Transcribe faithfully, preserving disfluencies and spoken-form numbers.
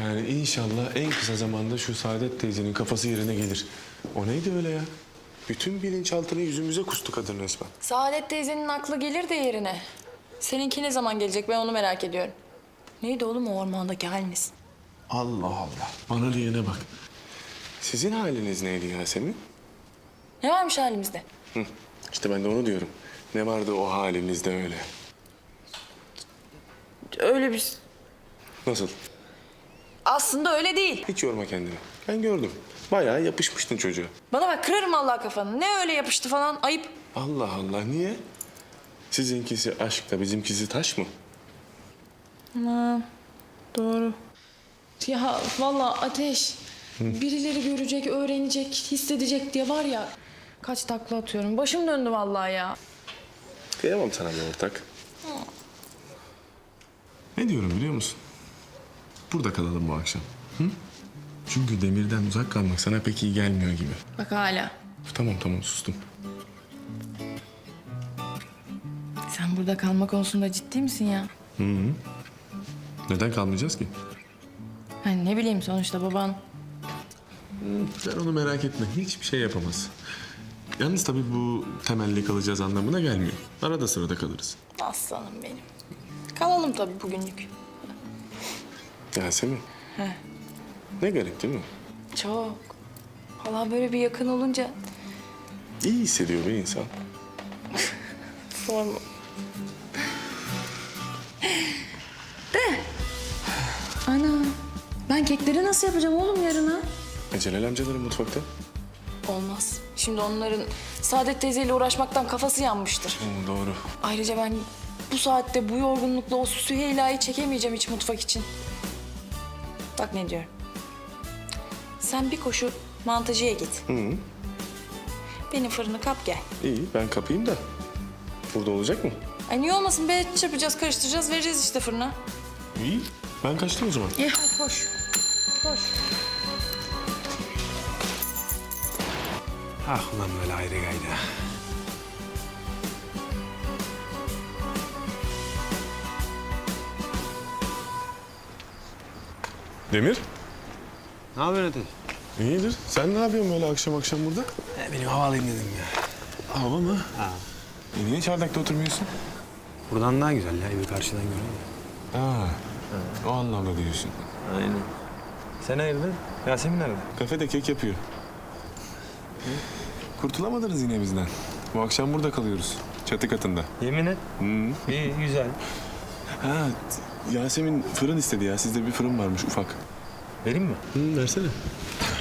Yani inşallah en kısa zamanda şu Saadet teyzenin kafası yerine gelir. O neydi öyle ya? Bütün bilinçaltını yüzümüze kustu kadın resmen. Saadet teyzenin aklı gelir de yerine. Seninki ne zaman gelecek, ben onu merak ediyorum. Neydi oğlum o ormandaki haliniz? Allah Allah. Bana diyene bak. Sizin haliniz neydi Yasemin? Ne varmış halimizde? Hı. İşte ben de onu diyorum. Ne vardı o halinizde öyle? Öyle bir... Nasıl? Aslında öyle değil. Hiç yorma kendini. Ben gördüm. Bayağı yapışmıştın çocuğa. Bana bak, kırarım Allah kafanı. Ne öyle yapıştı falan, ayıp. Allah Allah, niye? Sizinkisi aşk da bizimkisi taş mı? Ha, doğru. Ya vallahi Ateş, birileri görecek, öğrenecek, hissedecek diye var ya... Kaç takla atıyorum. Başım döndü vallahi ya. Kıyamam sana bir ortak. Ne diyorum biliyor musun? Burada kalalım bu akşam. Hı? Çünkü Demir'den uzak kalmak sana pek iyi gelmiyor gibi. Bak hala. Tamam tamam sustum. Sen burada kalma konusunda ciddi misin ya? Hı hı. Neden kalmayacağız ki? Hani ne bileyim, sonuçta baban... Hı, sen onu merak etme. Hiçbir şey yapamaz. Yalnız tabii bu temelli kalacağız anlamına gelmiyor. Arada sırada kalırız. Aslanım benim. Kalalım tabii bugünlük. Yasemin. He. Ne garip değil mi? Çok. Vallahi böyle bir yakın olunca... İyi hissediyor bir insan. Sorma. De. Ana. Ben kekleri nasıl yapacağım oğlum yarına? E, Celal amcaların mutfakta. Olmaz. Şimdi onların Saadet teyzeyle uğraşmaktan kafası yanmıştır. Hı, doğru. Ayrıca ben bu saatte bu yorgunlukla o Süheyla'yı çekemeyeceğim hiç mutfak için. Bak ne diyorum. Sen bir koşu mantıcıya git. Hı hı. Benim fırını kap gel. İyi ben kapayım da. Burada olacak mı? Ay niye olmasın be? Çırpacağız, karıştıracağız, vereceğiz işte fırına. İyi. Ben kaçtım o zaman. İyi hadi koş. Koş. Ah ulan böyle ayrı gayda. Demir. Ne haber Ateş? İyidir. Sen ne yapıyorsun böyle akşam akşam burada? He, benim hava alayım dedim ya. Hava mı? Ha. E niye çardakta oturmuyorsun? Buradan daha güzel ya, evi karşıdan görüyorum. Ha. O anlamda diyorsun. Aynen. Sen hayırdır? Yasemin nerede? Kafede kek yapıyor. Kurtulamadınız yine bizden. Bu akşam burada kalıyoruz. Çatı katında. Yemin et. Hı. İyi, güzel. Ha, Yasemin fırın istedi ya. Sizde bir fırın varmış ufak. Vereyim mi? Hı, versene.